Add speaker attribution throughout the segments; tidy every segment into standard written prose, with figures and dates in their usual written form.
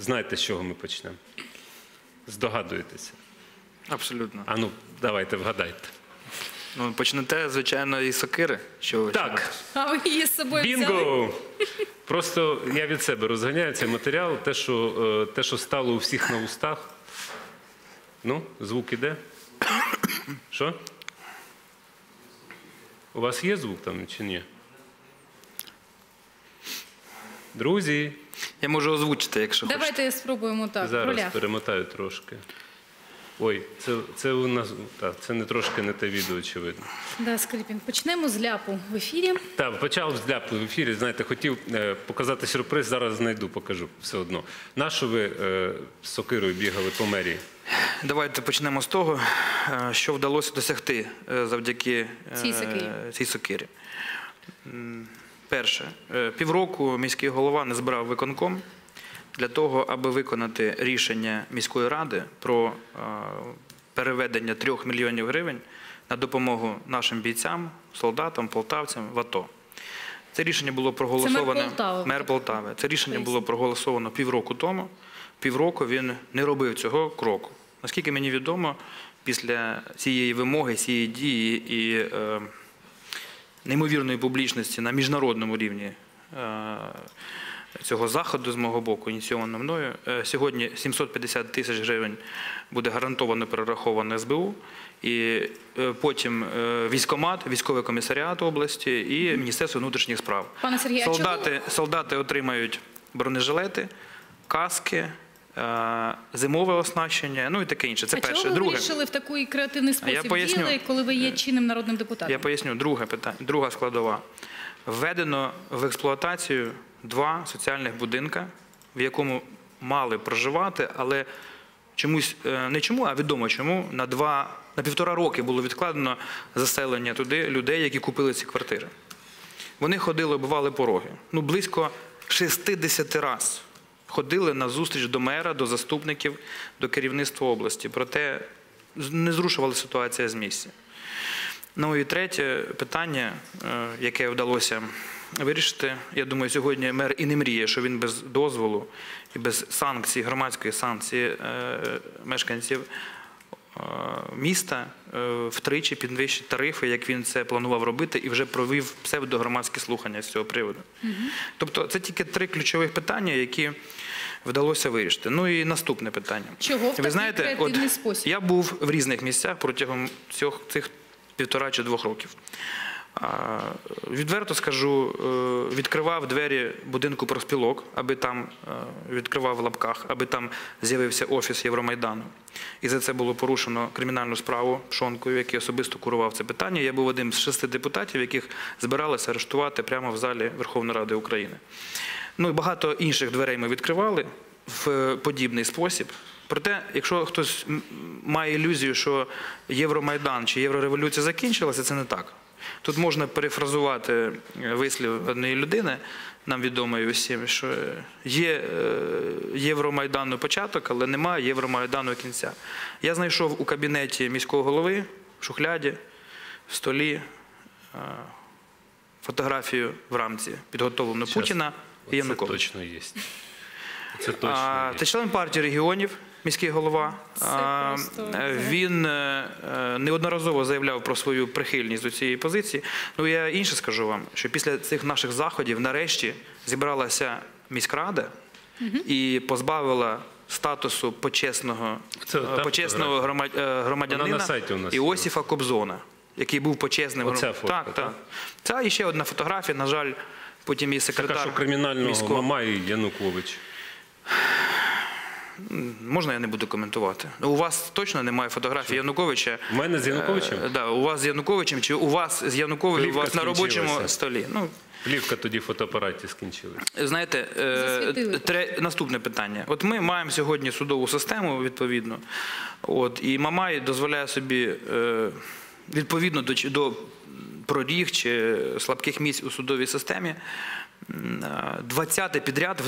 Speaker 1: знаєте, з чого ми почнемо? Здогадуєтеся?
Speaker 2: Абсолютно.
Speaker 1: А ну, давайте, вгадайте.
Speaker 2: Ну, почнете, звичайно, із сокири. Що ви
Speaker 1: Так.
Speaker 3: А ви її з собою взяли?
Speaker 1: Бінго! Просто я від себе розганяю цей матеріал, те, що стало у всіх на устах. Ну, звук іде? Що? У вас є звук там чи ні? Друзі,
Speaker 2: Я можу озвучити, якщо хочете.
Speaker 3: Давайте спробуємо так, в
Speaker 1: зараз
Speaker 3: ролях.
Speaker 1: перемотаю трошки. Ой, це у нас, так, це не трошки не те відео, очевидно.
Speaker 3: Да, Скрипін. Почнемо з ляпу в ефірі.
Speaker 1: Так, почав з ляпу в ефірі, знаєте, хотів показати сюрприз, зараз знайду, покажу все одно. Нащо ви з сокирою бігали по мерії?
Speaker 2: Давайте почнемо з того, що вдалося досягти завдяки цій сокирі. Перше, півроку міський голова не збирав виконком для того, аби виконати рішення міської ради про переведення 3 мільйонів гривень на допомогу нашим бійцям, солдатам, полтавцям в АТО. Це рішення було проголосоване. Мер Полтави. Це рішення було проголосовано півроку тому. Півроку він не робив цього кроку. Наскільки мені відомо, після цієї вимоги, цієї дії і неймовірної публічності на міжнародному рівні цього заходу з мого боку, ініційовано мною, сьогодні 750 тисяч гривень буде гарантовано перераховано СБУ, і потім військкомат, військовий комісаріат області і Міністерство внутрішніх справ.
Speaker 3: Пане Сергію,
Speaker 2: Солдати отримають бронежилети, каски, зимове оснащення, ну і таке інше. Це перше.
Speaker 3: Чого ви вирішили в такий креативний спосіб діяти, коли ви є чинним народним депутатом?
Speaker 2: Я поясню. Друге питання, друга складова. Введено в експлуатацію 2 соціальних будинка, в якому мали проживати, але чомусь, не чому, а відомо чому, на 1,5 роки було відкладено заселення туди людей, які купили ці квартири. Вони ходили, оббивали пороги. Ну, близько 60 разів ходили на зустріч до мера, до заступників, до керівництва області. Проте не зрушувала ситуація з місця. Ну і третє питання, яке вдалося вирішити. Я думаю, сьогодні мер і не мріє, що він без дозволу і без санкцій, громадської санкції мешканців міста втричі підвищить тарифи, як він це планував робити, і вже провів псевдогромадські слухання з цього приводу. Тобто це тільки 3 ключових питання, які вдалося вирішити. Ну і наступне питання.
Speaker 3: Чого в такий креативний спосіб?
Speaker 2: Я був в різних місцях протягом цих 1,5 чи 2 років. Відверто скажу, відкривав двері будинку профспілок, аби там, відкривав в лапках, аби там з'явився офіс Євромайдану. І за це було порушено кримінальну справу Пшонкою, який особисто курував це питання. Я був одним з 6 депутатів, яких збиралися арештувати прямо в залі Верховної Ради України. Ну і багато інших дверей ми відкривали в подібний спосіб. Проте, якщо хтось має ілюзію, що Євромайдан чи Єврореволюція закінчилася, це не так. Тут можна перефразувати вислів однієї людини, нам відомої усім, що є Євромайдану початок, але немає Євромайдану кінця. Я знайшов у кабінеті міського голови, в шухляді, в столі, фотографію в рамці, підготовлену Путіна і Януковича.
Speaker 1: Це точно є. Це точно є.
Speaker 2: Це член партії регіонів, міський голова. Він неодноразово заявляв про свою прихильність до цієї позиції. Ну, я інше скажу вам, що після цих наших заходів нарешті зібралася міськрада і позбавила статусу почесного громадянина Іосифа Кобзона, який був почесним громадянином. Так. Це і ще одна фотографія, на жаль, потім і секретар
Speaker 1: міського. Така, що кримінального Мамай і Янукович.
Speaker 2: Можна я не буду коментувати? У вас точно немає фотографії Януковича?
Speaker 1: У мене з Януковичем?
Speaker 2: Так, у вас з Януковичем, чи у вас з Януковичем у вас на робочому столі?
Speaker 1: Плівка тоді в фотоапараті скінчилась.
Speaker 2: Знаєте, наступне питання. От ми маємо сьогодні судову систему, відповідно, і Мамай дозволяє собі, відповідно до проріг чи слабких місць у судовій системі, 20-те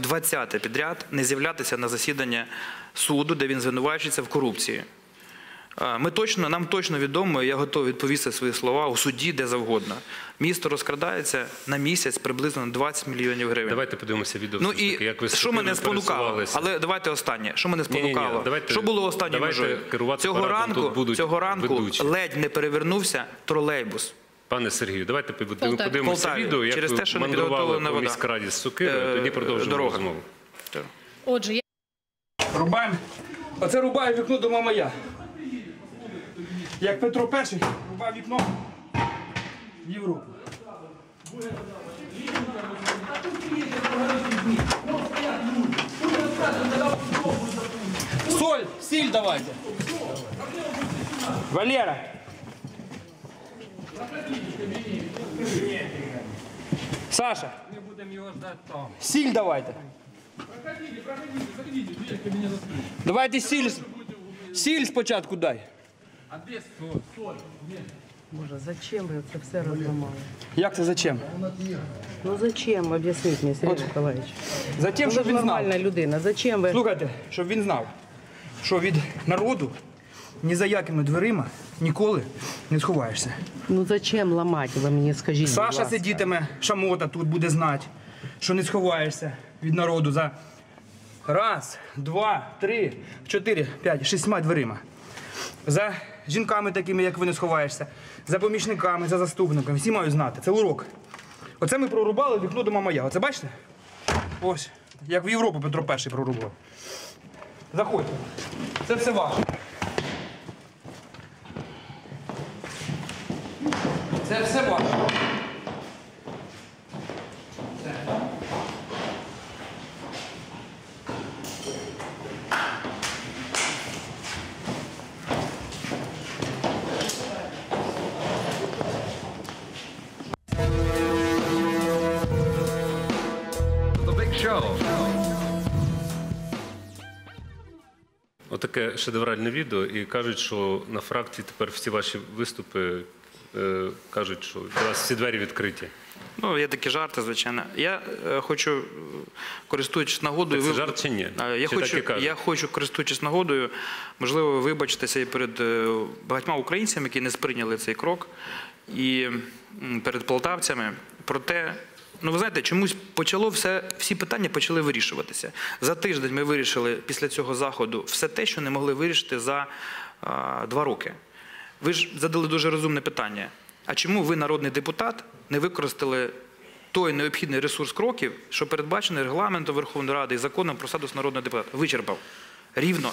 Speaker 2: підряд не з'являтися на засідання суду, де він звинувачується в корупції. Нам точно відомо, я готовий відповісти свої слова у суді, де завгодно. Місто розкрадається на місяць приблизно на 20 мільйонів гривень.
Speaker 1: Давайте подивимося відео,
Speaker 2: Ну
Speaker 1: все ж таки,
Speaker 2: і
Speaker 1: як ви
Speaker 2: що мене спонукало?
Speaker 1: пересувалися.
Speaker 2: Але давайте останнє. Що мене спонукало?
Speaker 1: давайте-
Speaker 2: Що було останньою
Speaker 1: давайте
Speaker 2: межою?
Speaker 1: керувати парадом, тут будуть
Speaker 2: Цього ранку
Speaker 1: ведучі.
Speaker 2: ледь не перевернувся тролейбус.
Speaker 1: Пане Сергію, давайте
Speaker 3: Полтаві.
Speaker 1: подивимося
Speaker 2: Полтаві.
Speaker 1: відео, як
Speaker 2: Через те,
Speaker 1: ви
Speaker 2: що не
Speaker 1: мандрували
Speaker 2: підготовлена
Speaker 1: по
Speaker 2: вода.
Speaker 1: міськраді з Сокирою, тоді продовжимо
Speaker 2: дорога.
Speaker 1: розмову.
Speaker 3: Отже,
Speaker 4: Рубаємо. Оце рубає вікно до Мамая. Як Петро І рубав вікно в Європу. Соль, сіль давайте. Валера. Саша. Сіль давайте. Давайте сіль. Сіль спочатку дай.
Speaker 5: Боже, зачем ви це все розламали?
Speaker 4: Як це зачем?
Speaker 5: Ну зачем, об'ясніть мені, Сергій Миколаївич?
Speaker 4: Затем,
Speaker 5: Ви
Speaker 4: щоб
Speaker 5: ж
Speaker 4: він знав.
Speaker 5: нормальна людина, зачем ви?
Speaker 4: Слухайте, щоб він знав, що від народу ні за якими дверима ніколи не сховаєшся.
Speaker 5: Ну зачем ламати, ви мені скажіть, будь
Speaker 4: Саша
Speaker 5: ласка.
Speaker 4: сидітиме, шамота тут буде знати, що не сховаєшся від народу за раз, два, три, чотири, п'ять, 6 дверима. За жінками такими, як ви, не сховаєшся, за помічниками, за заступниками. Всі мають знати. Це урок. Оце ми прорубали вікно до Мамая. Оце бачите? Ось. Як в Європу Петро І прорубав. Заходьте. Це все ваше. Це все ваше.
Speaker 1: Отаке шедевральне відео, і кажуть, що на фракції тепер всі ваші виступи кажуть, що для вас всі двері відкриті.
Speaker 2: Ну, є такі жарти, звичайно. Я хочу, користуючись нагодою...
Speaker 1: Так це жарт чи ні? Чи так і кажуть?
Speaker 2: Я хочу, користуючись нагодою, можливо, вибачитися і перед багатьма українцями, які не сприйняли цей крок, і перед полтавцями. Проте, ну ви знаєте, чомусь всі питання почали вирішуватися. За тиждень ми вирішили після цього заходу все те, що не могли вирішити за 2 роки. Ви ж задали дуже розумне питання. А чому ви, народний депутат, не використали той необхідний ресурс кроків, що передбачений регламентом Верховної Ради і законом про статус народного депутата? Вичерпав. Рівно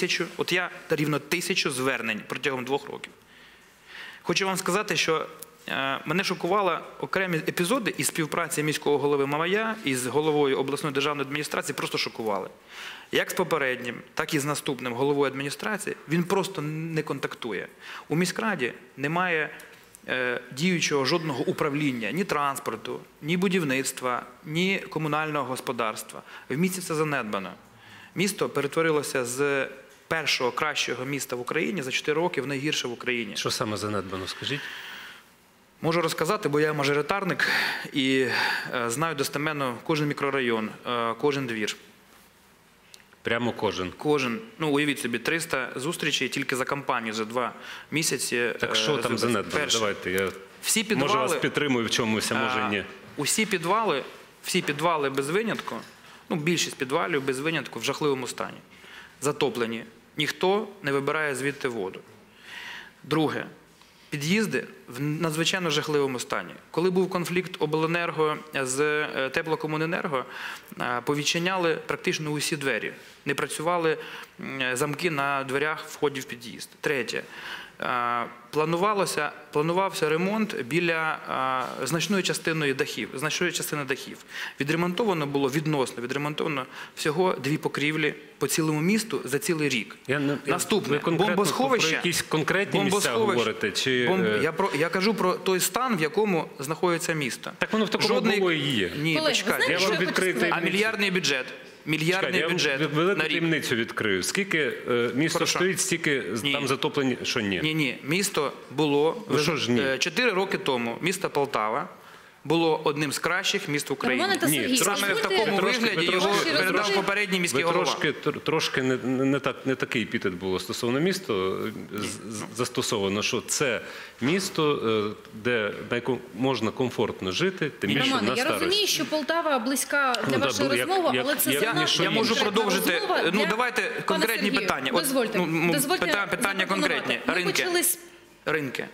Speaker 2: 1000 звернень протягом 2 років. Хочу вам сказати, що мене шокували окремі епізоди із співпраці міського голови Мамая із головою обласної державної адміністрації, просто шокували. Як з попереднім, так і з наступним головою адміністрації він просто не контактує. У міськраді немає діючого жодного управління, ні транспорту, ні будівництва, ні комунального господарства. В місті це занедбано. Місто перетворилося з першого кращого міста в Україні за 4 роки в найгірше в Україні.
Speaker 1: Що саме занедбано, скажіть?
Speaker 2: Можу розказати, бо я мажоритарник і знаю достеменно кожен мікрорайон, кожен двір.
Speaker 1: Прямо кожен.
Speaker 2: Кожен. Ну, уявіть собі, 300 зустрічей тільки за кампанію, за 2 місяці.
Speaker 1: Так що там занедбано?
Speaker 2: Перше.
Speaker 1: Давайте, я
Speaker 2: Всі підвали,
Speaker 1: може вас підтримую в чомусь, а може ні.
Speaker 2: Всі підвали без винятку, ну, більшість підвалів без винятку в жахливому стані. Затоплені. Ніхто не вибирає звідти воду. Друге. Під'їзди в надзвичайно жахливому стані. Коли був конфлікт обленерго з теплокомуненерго, повідчиняли практично усі двері. Не працювали замки на дверях входів в під'їзд. Третє. Планувався ремонт біля значної частини дахів. Відремонтовано всього 2 покрівлі по цілому місту за цілий рік. Наступне.
Speaker 1: Бомбосховище. Про якісь конкретні місця говорите?
Speaker 2: Я кажу про той стан, в якому знаходиться місто.
Speaker 1: Так воно в такому було і є.
Speaker 2: Ні,
Speaker 3: Колеги,
Speaker 2: почекайте.
Speaker 3: ви знаєте, що я хочу сказати?
Speaker 2: А мільярдний бюджет? Мільярдний бюджет
Speaker 1: Я велику
Speaker 2: на рік.
Speaker 1: таємницю відкрию. Скільки місто
Speaker 2: Прошу.
Speaker 1: стоїть, стільки там затоплені, що ні?
Speaker 2: Ні. Місто було
Speaker 1: Ну, що ж ні?
Speaker 2: 4 роки тому. Місто Полтава було одним з кращих міст в Україні.
Speaker 3: Романе та Сергій,
Speaker 2: Саме в такому вигляді його передав попередній міський голова.
Speaker 1: Трошки не такий епітет було стосовно міста застосовано, що це місто, де можна комфортно жити, тим більше
Speaker 3: Романе,
Speaker 1: на
Speaker 3: я
Speaker 1: старості.
Speaker 3: розумію, що Полтава близька для вашої розмови, але це занадто
Speaker 2: Я можу
Speaker 3: конкретна
Speaker 2: продовжити.
Speaker 3: розмова для-
Speaker 2: Давайте
Speaker 3: Пане
Speaker 2: конкретні
Speaker 3: Сергію,
Speaker 2: питання.
Speaker 3: Дозвольте
Speaker 2: Питання конкретні.
Speaker 3: Ми почали з...
Speaker 2: Ринки.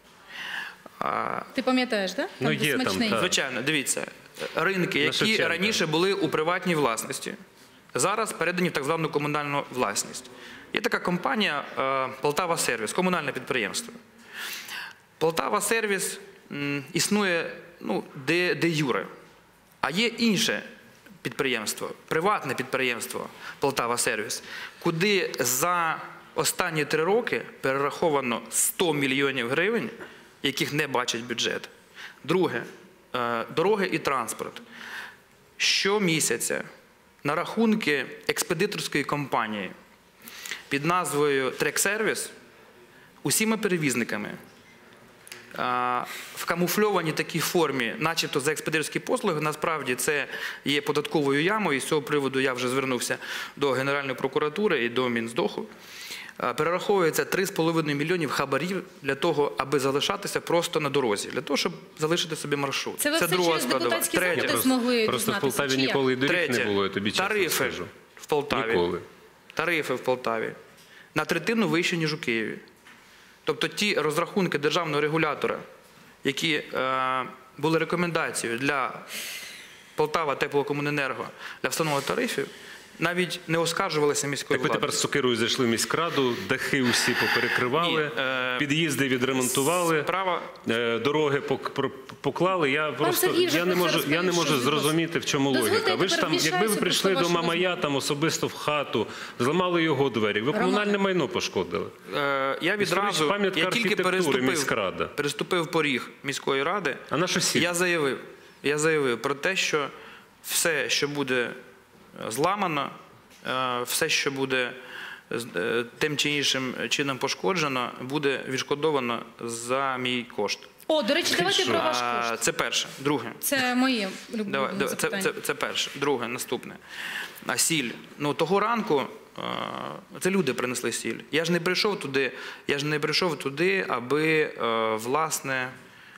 Speaker 3: Ти пам'ятаєш, так?
Speaker 1: Ну, є там, так.
Speaker 2: Звичайно, дивіться, ринки, які
Speaker 1: Шевченка.
Speaker 2: раніше були у приватній власності, зараз передані в так звану комунальну власність. Є така компанія «Полтава Сервіс», комунальне підприємство. «Полтава Сервіс» існує де юре, а є інше підприємство, приватне підприємство «Полтава Сервіс», куди за останні 3 роки перераховано 100 мільйонів гривень, яких не бачить бюджет. Друге, дороги і транспорт. Щомісяця на рахунки експедиторської компанії під назвою «Трек-сервіс» усіма перевізниками в камуфльованій такій формі, начебто за експедиторські послуги, насправді це є податковою ямою, і з цього приводу я вже звернувся до Генеральної прокуратури і до Мінздоху. Перераховується 3,5 мільйонів хабарів для того, аби залишатися просто на дорозі, для того, щоб залишити собі маршрут.
Speaker 3: Це ви все
Speaker 2: друга
Speaker 3: через
Speaker 2: складова.
Speaker 3: депутатські
Speaker 2: Третє.
Speaker 3: запити змогли
Speaker 1: Просто в
Speaker 3: дізнатися,
Speaker 1: Полтаві
Speaker 3: чи як?
Speaker 1: ніколи і доріг не
Speaker 2: Третє.
Speaker 1: було, я тобі чесно
Speaker 2: Тарифи
Speaker 1: скажу.
Speaker 2: в Полтаві.
Speaker 1: Ніколи.
Speaker 2: Тарифи в Полтаві на третину вищі, ніж у Києві. Тобто ті розрахунки державного регулятора, які були рекомендацією для Полтава Теплокомуненерго для встановлення тарифів, навіть не оскаржувалися міською
Speaker 1: Так ви
Speaker 2: владою.
Speaker 1: тепер з сокирою зайшли в міськраду, дахи усі поперекривали, під'їзди відремонтували, дороги поклали. Я не можу зрозуміти, в чому логіка. Ви ж там, якби ви прийшли до Мамая там особисто в хату, зламали його двері, ви комунальне майно пошкодили.
Speaker 2: Я відразу,
Speaker 1: пам'ятка
Speaker 2: я тільки
Speaker 1: архітектури, міськрада.
Speaker 2: переступив поріг міської ради,
Speaker 1: А на що сіль?
Speaker 2: я заявив про те, що все, що буде зламано, все, що буде тим чи іншим чином пошкоджено, буде відшкодовано за мій кошт.
Speaker 3: О, до речі, давайте про ваш кошт.
Speaker 2: Це перше. Друге.
Speaker 3: Це моє улюблене запитання.
Speaker 2: Це перше. Друге, наступне. Сіль. Того ранку це люди принесли сіль. Я ж не прийшов туди, аби, власне,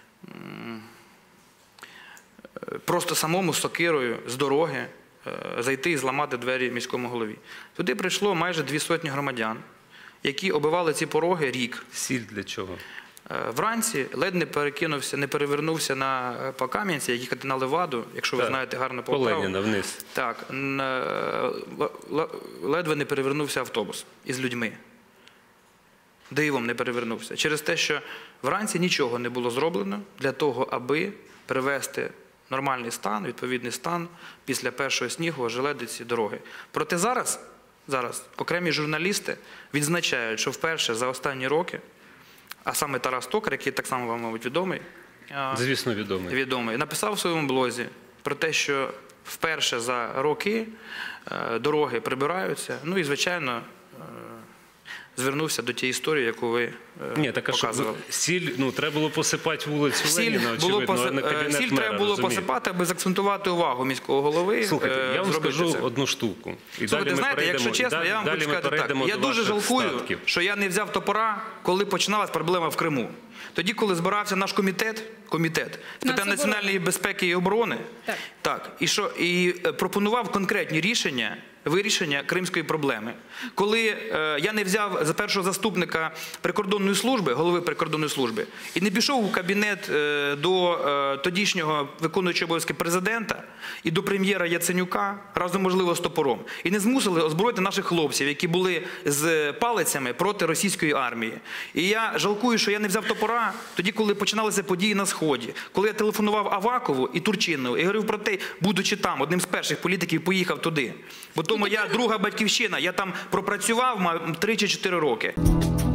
Speaker 2: просто самому з сокирою з дороги зайти і зламати двері міському голові. Туди прийшло майже 200 громадян, які оббивали ці пороги рік.
Speaker 1: Сіль для чого?
Speaker 2: Вранці ледь не перевернувся по Кам'янці, які катина Леваду, якщо ви знаєте гарно
Speaker 1: по
Speaker 2: Полтаву.
Speaker 1: Леніна вниз.
Speaker 2: Так, ледве не перевернувся автобус із людьми. Дивом не перевернувся. Через те, що вранці нічого не було зроблено для того, аби привести нормальний стан, відповідний стан після першого снігу ожеледиці дороги. Проте зараз окремі журналісти відзначають, що вперше за останні роки, а саме Тарас Токар, який так само вам, мабуть, відомий,
Speaker 1: Звісно, відомий.
Speaker 2: Написав у своєму блозі про те, що вперше за роки дороги прибираються, і, звичайно, звернувся до тієї історії, яку ви показували.
Speaker 1: Сіль, треба було посипати вулицю Леніна, очевидно, а не кабінет мера,
Speaker 2: Сіль треба було посипати, аби заакцентувати увагу міського голови.
Speaker 1: Слухайте, я вам скажу одну штуку.
Speaker 2: Слухайте, знаєте, якщо чесно, я вам хочу сказати так. Я дуже жалкую, що я не взяв топора, коли починалась проблема в Криму. Тоді, коли збирався наш комітет з питань національної безпеки і оборони, і пропонував конкретні вирішення кримської проблеми. Коли я не взяв за першого заступника прикордонної служби, голови прикордонної служби, і не пішов у кабінет до тодішнього виконуючого обов'язки президента і до прем'єра Яценюка, разом, можливо, з топором, і не змусили озброїти наших хлопців, які були з палицями проти російської армії. І я жалкую, що я не взяв топора тоді, коли починалися події на Сході, коли я телефонував Авакову і Турчинову і говорив про те, будучи там, одним з перших політиків поїхав туди. Бо то моя друга батьківщина, я там пропрацював 3 чи 4 роки.